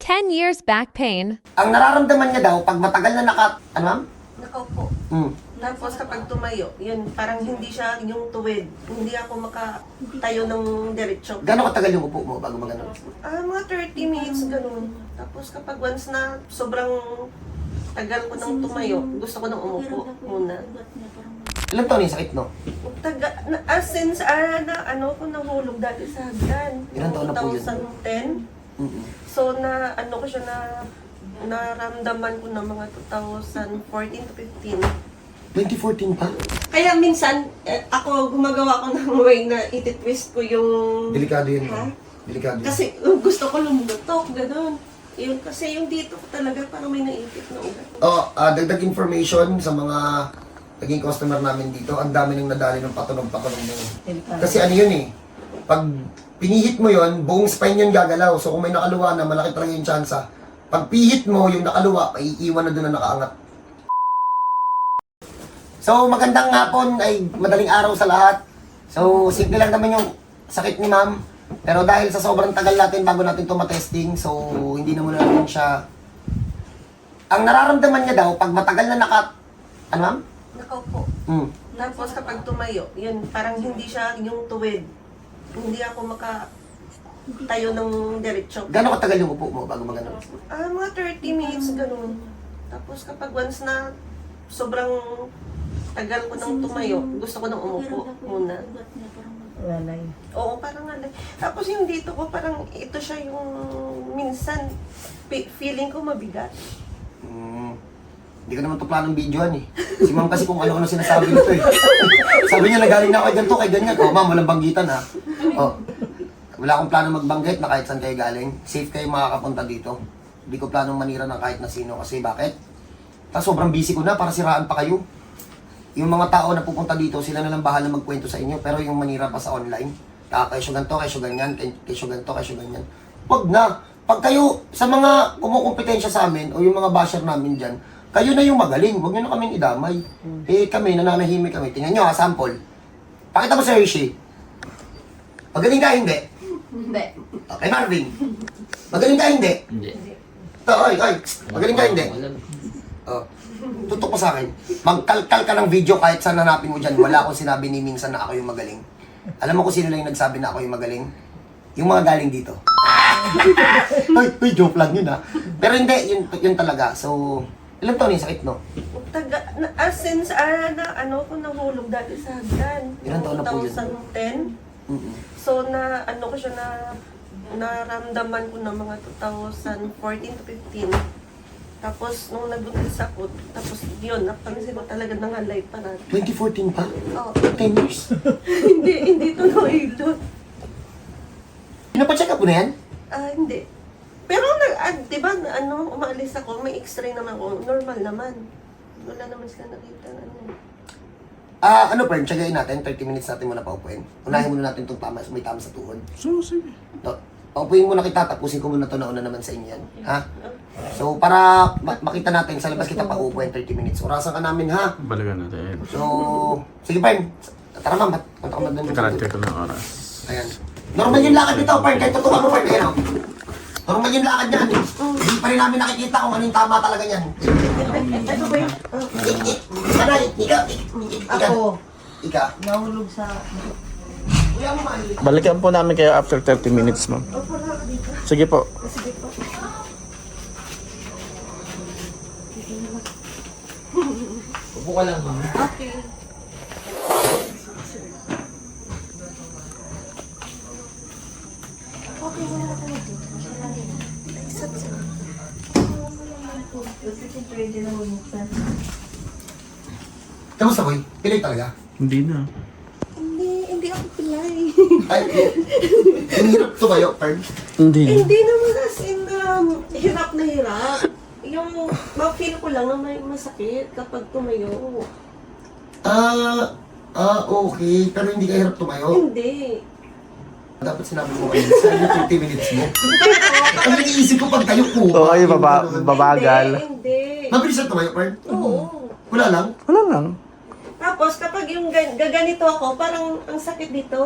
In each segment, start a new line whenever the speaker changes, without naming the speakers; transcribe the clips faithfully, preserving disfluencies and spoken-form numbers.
ten years back pain.
Ang nararamdaman niya daw, pag matagal na naka... Ano ma'am?
Nakaupo.
Hmm.
Tapos kapag tumayo, yun, parang hindi siya yung tuwid. Hindi ako makatayo ng diretso.
Gano'ng katagal yung upo mo bago magano?
Ah, mga thirty minutes, ganun. Tapos kapag once na sobrang tagal ko nang tumayo, gusto ko nang umupo muna.
Ilang taon yung sakit, no?
Taga, na, ah, since ah, na, ano ko nahulog dati sa hagdan.
Ilang taon na po yun?
twenty ten.
Mm-mm.
So na ano ko siya na naramdaman ko ng mga twenty fourteen to fifteen.
twenty fourteen pa?
Kaya minsan, eh, ako gumagawa ko ng way na ititwist ko yung...
Delikado yun,
Ha?
ma'am. Delikado yun.
Kasi uh, gusto ko lumutok, gano'n. Yun, kasi yung dito ko talaga parang may naipit na ugat.
Oh, ah, dagdag information sa mga naging customer namin dito. Ang dami nang nadali ng patunog-patunog na yun. Kasi ano yun eh, pag pinihit mo yun, buong spine yun gagalaw. So kung may nakaluwa na, malaki talaga yung tsansa. Pag pihit mo, yung nakaluwa, maiiwan na doon na nakaangat. So magandang hapon ay madaling araw sa lahat. So simple lang naman yung sakit ni ma'am. Pero dahil sa sobrang tagal natin bago natin ito matesting, so hindi na muna natin siya... Ang nararamdaman niya daw, pag matagal na naka... Ano ma'am?
Nakaupo.
Hmm.
Tapos kapag tumayo, yun, parang hindi siya yung tuwid. Hindi ako makatayo ng diretso.
Gano'ng katagal yung upo mo bago magano?
Ah, mga thirty minutes, ganun. Tapos kapag once na sobrang tagal ko nang tumayo, gusto ko nang umupo muna.
Lalay.
Oo, parang ano. Tapos yung dito ko, parang ito siya yung minsan, pi- feeling ko mabigat.
Hmm. Hindi ko naman to planong videoan eh. Si ma'am kasi kung ano-ano sinasabi nito eh. Sabi niya nagaling na ako kay ganito, kay ganyan. Oh ma'am, walang banggitan ha. Oh. Wala akong plano magbanggit na kahit saan kayo galing. Safe kayo makakapunta dito. Hindi ko planong manira ng kahit na sino kasi bakit? Tapos sobrang busy ko na para siraan pa kayo. Yung mga tao na pupunta dito, sila na lang bahala magkwento sa inyo. Pero yung manira pa sa online, ah, kayo ganito, kayo ganyan, kayo ganito, kayo ganyan. Wag na. Pag kayo, sa mga kumukumpetensya sa amin, o yung mga basher namin dyan, kayo na yung magaling. Huwag nyo na kaming idamay. Eh kami, nananahimik kami. Tingnan nyo ha, sample. Pakita mo sa Hershey. Magaling ka, hindi?
Hindi.
Okay, Marvin. Magaling ka, hindi?
Hindi.
Ito, oy, oy. Magaling ka, hindi? Oh. Tutok mo sa akin. Magkalkal ka ng video kahit saan hanapin mo dyan. Wala akong sinabi ni minsan na ako yung magaling. Alam mo kung sino lang yung nagsabi na ako yung magaling? Yung mga galing dito. Ay, ay, joke lang yun ha. Pero hindi, yun, yun talaga. So, ilang taon yung sakit, no?
Taga, na, ah, since ah, na, ano ko nahulog dati sa hagdan.
Ilang taon na po yun?
twenty ten.
Mm-mm.
So na, ano ko siya na, naramdaman ko ng mga twenty fourteen to fifteen. Tapos, nung nagbuntis ako, tapos yun, napansin ko talaga nangalay pa na.
twenty fourteen pa?
Oh,
ten years?
hindi, hindi ito nahilot.
Pinapacheck up mo na yan?
Ah, hindi. Pero, na, ah, di ba, na- ano, umaalis ako, may x-ray naman ako, normal naman. Wala naman sila nakita na ano.
Ah, ano pa rin, tsagayin natin, thirty minutes natin muna paupuin. Unahin muna natin itong tama, may tama sa tuhod.
So, sige.
To, paupuin muna kita, tapusin ko muna ito na una naman sa inyo yan. Ha? So, para ma- makita natin, sa labas kita paupuin thirty minutes. Orasan ka namin, ha?
Balikan natin.
So, sige, Pern. Tara, ma'am. Punta ka man doon.
Karat ko ng oras.
Ayan. Normal yung lakad nito, Pern. Kahit tutukan mo, Pern. Ayan, oh. Normal yung lakad niyan. Hindi pa rin namin nakikita kung ano yung tama talaga niyan.
Ito ba yun?
Ik, ik, Sanay, ika, ik, ik, ika.
Ako,
Ika.
nahulog sa...
Kuya mo, mali.
Balikan po namin kayo after thirty minutes, ma'am. Sige po.
Sige po.
Upo ka lang, ma'am.
Okay.
Pwede nahulog sa...
Kamusta, boy? Pilay talaga?
Hindi na.
Hindi, hindi ako pilay.
Ay, yung hirap tumayo, Pern.
Hindi na.
Hindi naman as in, um, hirap na hirap. Yung, ma-feel ko lang na may masakit kapag tumayo.
Ah, ah, okay. Pero hindi ka hirap tumayo.
Hindi.
Dapat sinabi mo kayo sa yung thirty minutes mo. Ang iniisip ko pag tayo ko.
Oo, ay, baba, babagal.
Hindi, hindi.
Mabilis na tumayo, Pern?
Oo.
Wala lang?
Wala lang.
Tapos kapag yung gan- gaganito ako, parang ang sakit dito.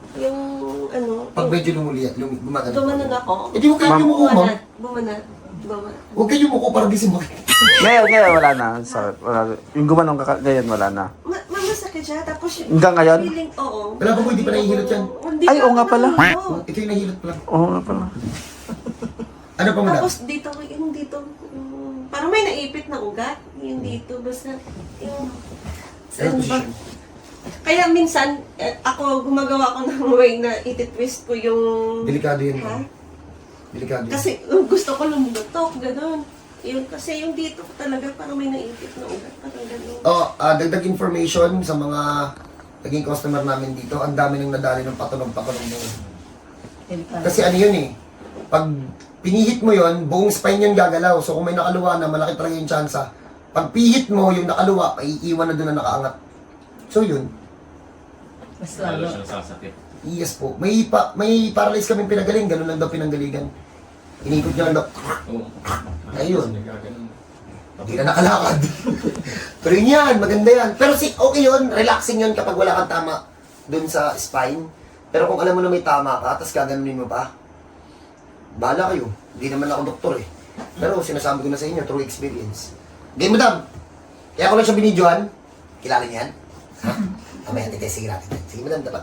Yung ano,
Pag medyo lumuliat, lum gumagano.
gumanon ako.
Eh di huwag kayo yumuko, ma'am.
Bumanat, bumanat, bumanat.
Huwag kayo yumuko para di sumakit.
Ngayon, ngayon, wala na. Sakit. Wala. Yung gumanong kaka, ganyan, wala na.
Ma mamasakit siya, tapos yung
Hanggang ngayon?
feeling, oo.
Wala pa po, hindi pa nahihilot yan.
Hindi
Ay,
pa
oo nga
ako
pala.
nahihilot.
Ito yung nahilot pa lang.
Oo nga pala.
Ano pa, madam?
Tapos dito, yung dito, yung, parang may naipit na ugat. Yung dito, basta, yung,
Ano position?
kaya minsan, eh, ako gumagawa ko ng way na ititwist ko yung...
Delikado yun.
Ha?
ma'am. Delikado yun.
Kasi uh, gusto ko lumutok, gano'n. Yun, kasi yung dito ko talaga parang may naipit na ugat, parang gano'n.
Oh, ah, dagdag information sa mga naging customer namin dito. Ang dami nang nadali ng patulong-patulong mo.
Delikado.
Kasi ano yun eh, pag pinihit mo yun, buong spine yun gagalaw. So kung may nakaluwa na, malaki talaga yung tsansa. Pag pihit mo, yung nakaluwa, paiiwan na doon na nakaangat. So yun,
Mas
Lalo
lalo.
siyang sasakit.
yes po. May, pa, may paralyze kami pinagaling, ganun lang daw pinanggaligan. Inikot niya lang daw,
Oo.
Ayun.
Nagkaganon.
hindi na nakalakad. Pero yun yan, maganda yan. Pero si, okay yun, relaxing yun kapag wala kang tama doon sa spine. Pero kung alam mo na may tama ka, tapos gaganunin mo pa, bahala kayo. Hindi naman ako doktor eh. Pero sinasabi ko na sa inyo, through experience. Okay, madam. Kaya ko lang siya binidyohan. Kilala niyan? Ha? Mamaya, titesting natin. Sige, madam, dapat.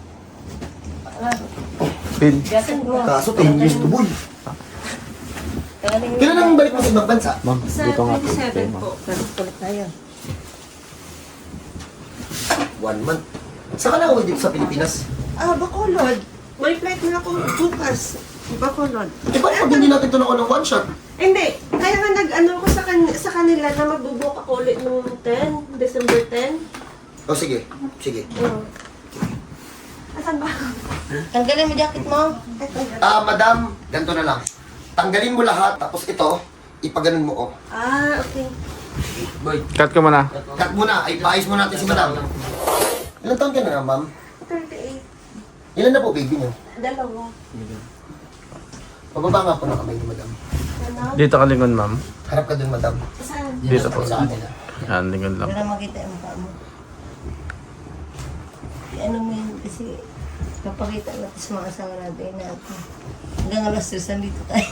Pin.
Gasat mo.
Kaso, ten years to boy.
Kailan
Kailan nang balik mo sa ibang bansa?
Ma'am,
Sa
dito nga po. Okay,
twenty-seven
ma'am.
po.
Ulit tayo.
One month. Saan ka na uwi dito sa Pilipinas?
Ah, Bacolod. May flight na ako bukas. Bacolod.
Eh, bakit pag hindi natin ito na ng one shot?
Hindi. Kaya nga nag-ano ko sa, kan sa kanila na magbubuk ako ulit nung ten, December ten.
O sige, sige.
Oo. Asan ba?
Tanggalin mo jacket mo.
Ito.
Ah, madam, ganito na lang. Tanggalin mo lahat, tapos ito, ipaganon mo ko.
Ah, okay.
Cut ko muna.
Cut muna, ay paayos mo natin si madam. Ilan taon ka na, ma'am?
thirty-eight.
Ilan na po, baby niyo?
Dalawa.
Pababa nga po ng kamay ni madam.
Ano?
Dito ka lingon, ma'am.
Harap ka dun, madam.
Saan?
Dito po.
Sa kanila.
Yan, lingon lang.
Para makita yung mukha mo. Ano mo yun kasi kapakita natin sa mga asawa natin na hanggang alas tres nandito tayo.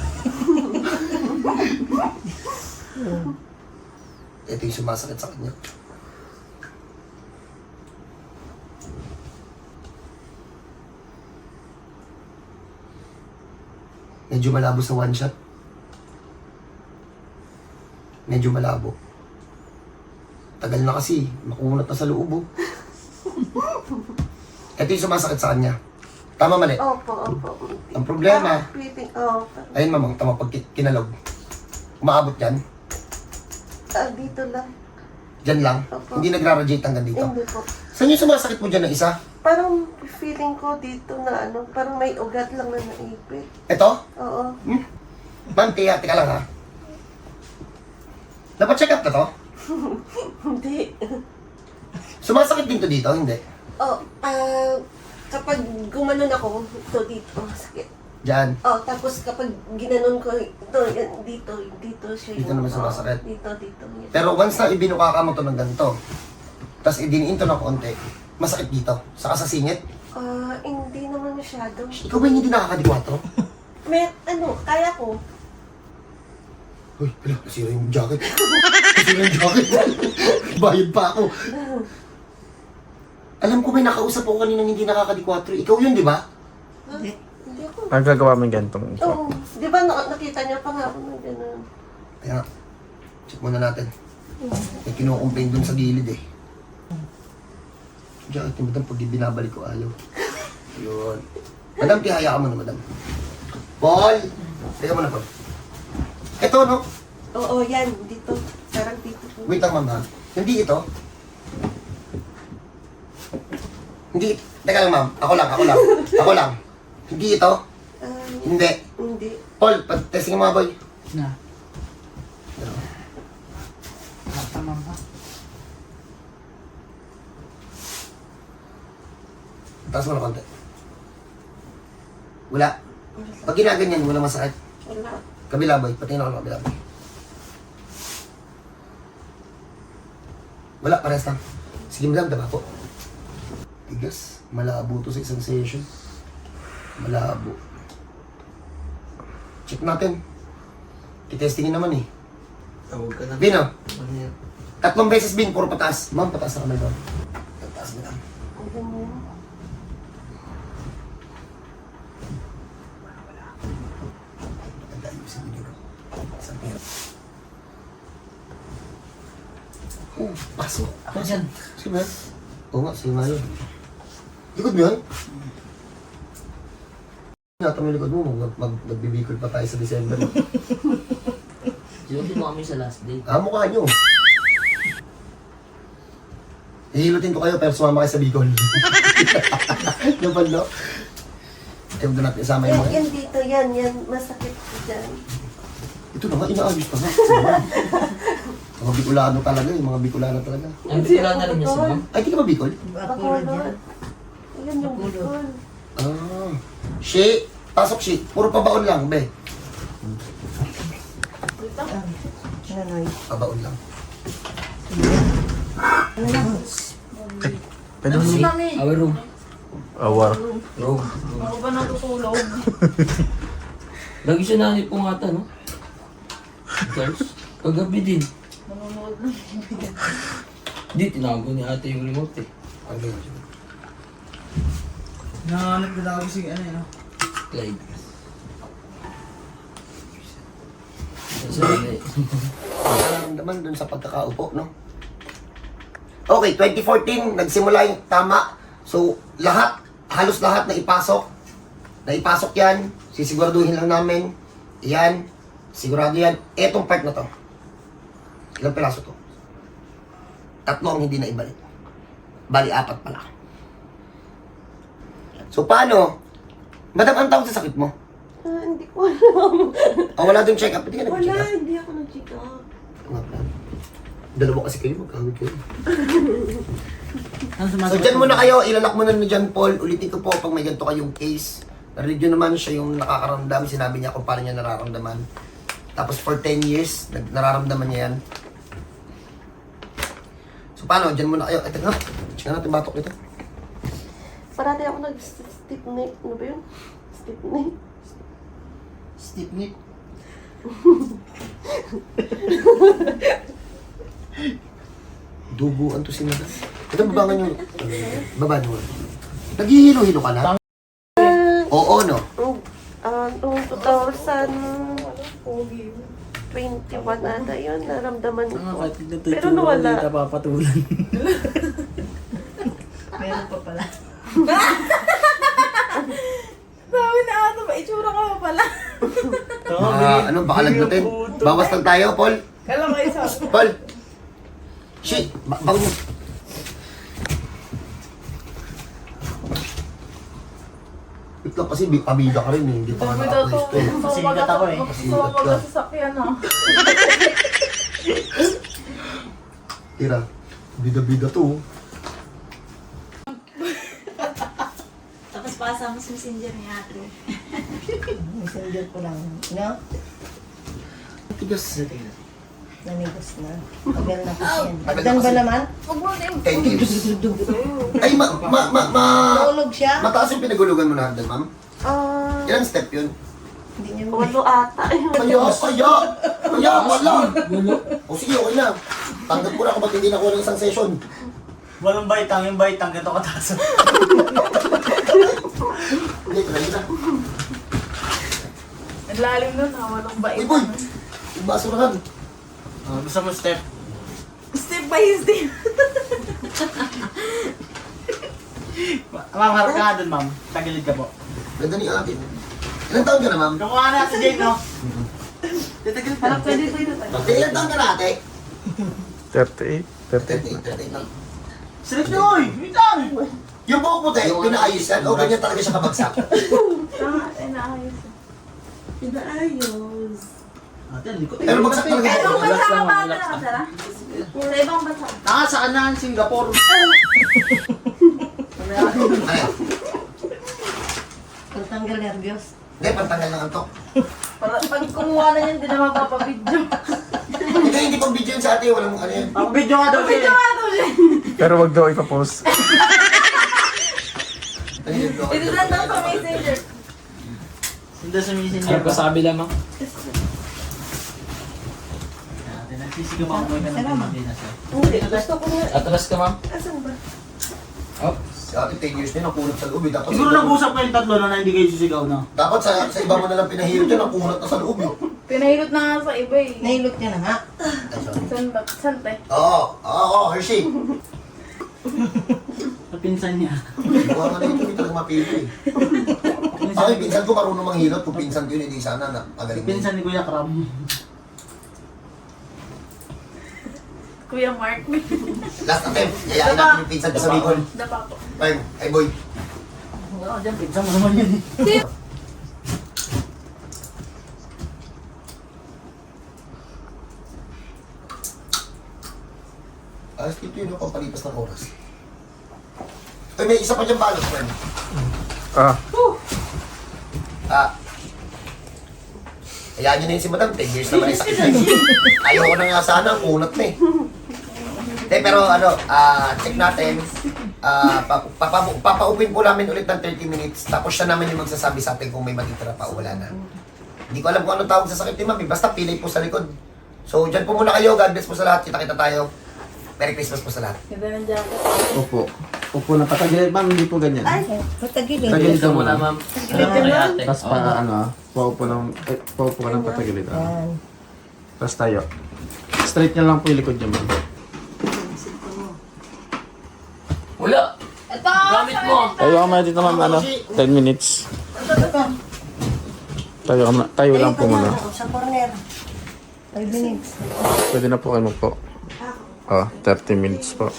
Ito yung sumasakit sa kanya. Medyo malabo sa one shot. Medyo malabo. Tagal na kasi, makunat na sa loob oh. Ito yung sumasakit sa kanya. Tama mali?
Opo, opo.
Ang problema,
Ah, creeping. Oh,
ayun mamang, tama pag ki- kinalog. Umaabot yan.
ah, dito lang.
Dyan lang.
Opo.
Hindi nagra-radiate hanggang dito.
Hindi po.
Saan yung sumasakit mo dyan na isa?
Parang feeling ko dito na ano, parang may ugat lang na naipit.
Ito?
Oo.
Ma'am, tiya, tika lang ha. Napacheck up na to?
Hindi.
Sumasakit din to dito, hindi?
Oh, ah, kapag gumanon ako, ito dito, sakit.
Diyan.
Oh, tapos kapag ginanon ko, ito, yan, dito, dito siya
Dito naman
oh,
sumasakit.
Dito, dito. Yan.
Pero once na ibinuka ka mo to ng ganito, tapos idiniin to ng konti, masakit dito. Saka sa singit.
Ah, hindi naman masyado.
Ikaw ba yung hindi nakakadikwatro?
May, ano, kaya ko.
Uy, hala, nasira yung jacket. Nasira yung jacket. Bayad pa ako. Alam ko may nakausap ako kaninang hindi nakakadikwatro. Ikaw yun, di ba?
Ha?
Hindi.
Hindi ako.
Ang gagawa mo yung gantong.
Oo. Di ba na- nakita niya pa nga ako na gano'n?
Kaya, check muna natin. May kinukomplain dun sa gilid eh. Jacket yung madam, pag di binabalik ko ayaw. Yun. Madam, tihaya ka muna, madam. Paul! Teka muna, Paul. Ito, no?
Oo, yan. Dito. Parang dito. po.
Wait lang, ma'am, ha? Hindi ito. Hindi. Teka lang, ma'am. Ako lang, ako lang. Ako lang. Hindi ito.
Ah,
Hindi.
hindi.
Paul, pag-testing mo mga boy.
Na.
Ano?
Tama ba?
Taas mo na konti. Wala. Pag ginaganyan, wala masakit.
Wala.
Kabila boy, patingin ako ng kabila boy. Wala, parehas lang. Sige madam, taba po. Tigas. Malabo to sa isang session. Malabo. Check natin. Titestingin naman eh.
Tawag ka na.
Bin, oh.
Ano yan?
Tatlong beses, Bin. Puro pataas. Ma'am, pataas na kamay doon. Pataas na lang. Maganda yung siguro. Isang pera. Oh, pasok.
Ako dyan.
Sige ba? Oo nga, sige nga yun. Likod mo yun? Nata mo yung likod mo, mag, mag, magbibikol pa tayo sa December.
Diyan mo kami sa last day.
Ah, mukha nyo. Hihilutin ko kayo pero sumama kayo sa Bicol. Yung balo. Ayaw doon natin isama yung
Yan,
mga.
yan dito, yan, yan. Masakit ko dyan.
Ito na nga, inaayos pa nga. Mga Bicolano talaga, yung mga Bicolano talaga.
Ang bigla na rin niya si ma'am.
Ay, di ka ba Bicol?
Bakulo dyan.
Yan yung bukol.
Ah. Shi, pasok Shi. Puro pabaon lang, be.
Nanoy.
Pabaon lang.
Pwede mo na.
Our room.
Awar.
Room.
Ako ba natutulog?
Lagi siya nanip po nga ata, no? Girls? Kagabi din.
Nanonood lang.
Di, tinago ni ate yung remote eh.
Ano yun?
Nanganap na ako si ano yun.
Clyde. Sabi
Nararamdaman dun sa pagkakaupo, no? Okay, twenty fourteen, nagsimula yung tama. So, lahat, halos lahat na ipasok. Na ipasok yan, sisiguraduhin lang namin. Yan, sigurado yan. Etong part na to. Ilang piraso to? Tatlo ang hindi na ibalik. Bali, apat pala. So, paano? Madam, ang tawag sa sakit mo?
Ah, hindi ko alam.
O, wala dong check-up. Hindi ka
Wala,
nag-check up.
hindi ako nag-check up.
Nga pala. Dalawa kasi kayo, magkahawig kayo.
Ano
So
sumasagot?
dyan muna kayo, ilalak muna ni John Paul. Ulitin ko po pag may ganito kayong case. Narinig nyo naman siya yung nakakaramdam. Sinabi niya kung paano niya nararamdaman. Tapos for ten years, nag- nararamdaman niya yan. So paano, dyan muna kayo. Ito nga, check natin batok nito.
Parati ako nag-stiff neck. Ano ba yun? Stiff neck.
Stiff neck. Duguan to si Madam. Ito, babangan nyo. Baba nyo. Naghihilo-hilo ka na? Oo, no?
Nung, ah, noong two thousand twenty-one ata yun, naramdaman ko.
Ang kapatid na
Pero nawala.
Hindi papatulan.
Meron pa pala.
Sabi na ata ba, itsura ka pa pala.
Ah, ano, baka lagnutin. Bawas lang tayo, Paul.
Kala ko isa.
Paul! Shit! Ba bago mo. Wait lang kasi, bi- pabida ka rin eh. Hindi pa ka
Sabi daw to,
naka-pwesto eh.
Pasikat ako eh.
Gusto ko mag-sasakyan ah.
Tira, bida-bida to. oh.
Tapos pasa mo sa messenger ni ate.
Messenger ko lang. No?
Tigas.
Namigos na. Tagal na kasi yan. Tagal ba naman?
Huwag mo na yung...
ten years. Ay, ma, ma, ma, ma,
Naulog siya?
mataas yung pinagulugan mo na hagdan, ma'am?
Ah,
Ilang step yun?
Hindi niya
walo ata.
Kaya, kaya, kaya, wala. O sige, okay na. Tanggap ko na kung ba't hindi nakuha ng isang session.
Walang baitang, yung baitang ganito kataas.
Hindi, try na.
Ang lalim nun ah, walang bait.
Uy, boy! Yung basurahan.
Oh, gusto mo step?
Step by step.
Ma- Ma'am, harap ka nga dun, ma'am. Tagilid ka po.
Ganda ni ate. Ilang taon ka na, ma'am?
Kakuha na si Jane, no?
Titagil
Harap ka dito dito.
Ate, ilang taon ka na, ate?
thirty-eight. thirty.
thirty-eight, thirty-eight lang.
Silip niyo, oy! Wait lang!
Yung buhok puti, pinaayos yan, o ganyan talaga siya kabagsak.
Tama, ay naayos.
Pinaayos.
Ate, ang likot eh.
Pero bagsak talaga
Eh,
ito.
ibang bansa
Relax
ka
lang,
ba?
relax lang.
Sara? Sa ibang bansa.
Naka sa kanahan, Singapore.
Ano?
Pagtanggal nervyos.
Hindi, pantanggal ng antok.
Para pag kumuha na yan, hindi na mapapabidyo.
Hindi, hindi pang video yun sa ate, walang ano yan.
Ang video nga daw siya.
Video nga to siya.
Pero wag daw ipapost.
Ito na lang sa messenger.
Hindi sa messenger
Ano
ba?
pa sabi lamang?
Nagsisigaw ako mo ka ng hindi na sir.
Hindi, gusto ko nga.
Atras ka, ma'am.
Asan ba?
Oh.
Si ate ten years na nakunat sa loob eh. Dapat
Siguro
sa iba-
nag-usap kayong tatlo na hindi kayo sisigaw na.
Dapat sa, sa iba mo na lang pinahirap dyan, nakunat na sa loob eh.
Pinahilot na nga sa iba eh.
Nahilot niya na nga.
Ay, sorry.
San ba? San te?
Oo, oo, oo, Hershey.
Sa pinsan niya.
Buha nga na ito, hindi talaga mapili eh. Ako yung pinsan ko marunong manghilot, kung pinsan ko yun, hindi sana na magaling na yun.
Pinsan ni Kuya Kram.
Kuya Mark.
Last attempt, yayain natin yung pinsan ko sa Bicol.
Dapa ko.
Bang, ay boy.
Oo, dyan, pinsan mo naman yun eh.
Alas dito yun, pampalipas ng oras. Ay, may isa pa dyan balot, friend.
Ah,
Ah. Hayaan nyo na yun si Madam, ten years naman yung sakit na yun. Ayoko na nga sana, ang unat na eh. Eh, pero ano, ah, check natin. Ah, pa, papa, papaupin po namin ulit ng thirty minutes. Tapos siya naman yung magsasabi sa atin kung may matitira pa o wala na. Hindi ko alam kung anong tawag sa sakit ni Mami. Basta pilay po sa likod. So, dyan po muna kayo. God bless po sa lahat. Kita-kita tayo. Merry Christmas po sa lahat.
Ganda ng jacket.
opo. Opo na patagilid, ma'am, hindi po ganyan.
Patagilid.
Patagilid ka muna.
ma'am.
Tapos pa, ano, ah, paupo ng, eh, paupo ka ng patagilid. Ah.
Yan.
Tapos tayo. Straight niya lang po yung likod niya, ma'am.
Wala.
Ito!
Gamit mo.
Tayo ka muna dito, ma'am, ano, ten minutes. Tayo, ka muna- tayo lang po muna.
Sa corner. Five minutes.
Pwede na po kayo magpo. Oh, thirty minutes po.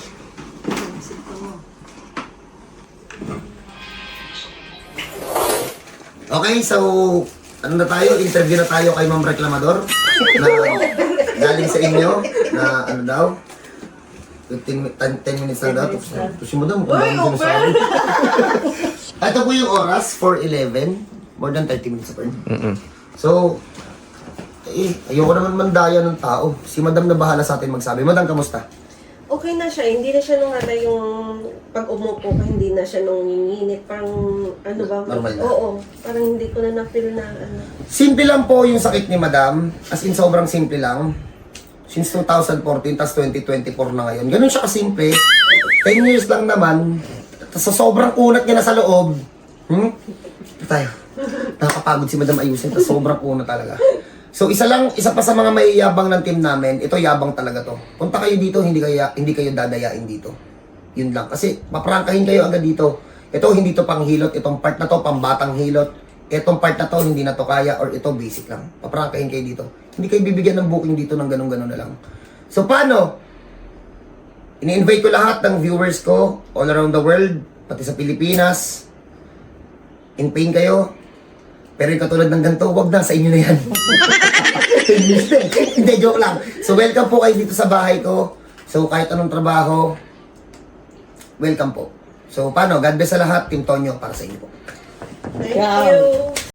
Okay, so ano na tayo? Interview na tayo kay Ma'am Reklamador na galing sa inyo na ano daw? fifteen, ten, ten minutes lang daw. Tapos tapos yung madam, kung bakit sinasabi. Ito po yung oras, four eleven. More than thirty minutes pa rin.
Mm-mm.
So, eh, ayoko naman mandaya ng tao. Si madam na bahala sa atin magsabi. Madam, kamusta?
Okay na siya. Hindi na siya nung ano yung pag umupo ka, hindi na siya nung nginginit. Parang ano ba?
Normal na.
Oo. Parang hindi ko na na-feel na ano.
Simple lang po yung sakit ni madam. As in, sobrang simple lang. Since two thousand fourteen, tas twenty twenty-four na ngayon. Ganun siya kasimple. ten years lang naman. Tas sa sobrang kunat niya na sa loob. Hmm? Ito tayo. Nakakapagod si madam ayusin. Tas sobrang kunat talaga. So isa lang, isa pa sa mga mayayabang ng team namin, ito yabang talaga to. Punta kayo dito, hindi kayo, hindi kayo dadayain dito. Yun lang. Kasi paprangkahin kayo agad dito. Ito hindi to pang hilot, itong part na to pang batang hilot. Itong part na to hindi na to kaya or ito basic lang. Paprangkahin kayo dito. Hindi kayo bibigyan ng booking dito ng ganun-ganun na lang. So paano? Ini-invite ko lahat ng viewers ko all around the world, pati sa Pilipinas. In pain kayo. Pero yung katulad ng ganito, wag na, sa inyo na yan. Hindi, joke lang. So welcome po kayo dito sa bahay ko. So kahit anong trabaho, welcome po. So paano, God bless sa lahat, Team Tonyo, para sa inyo po.
Thank you.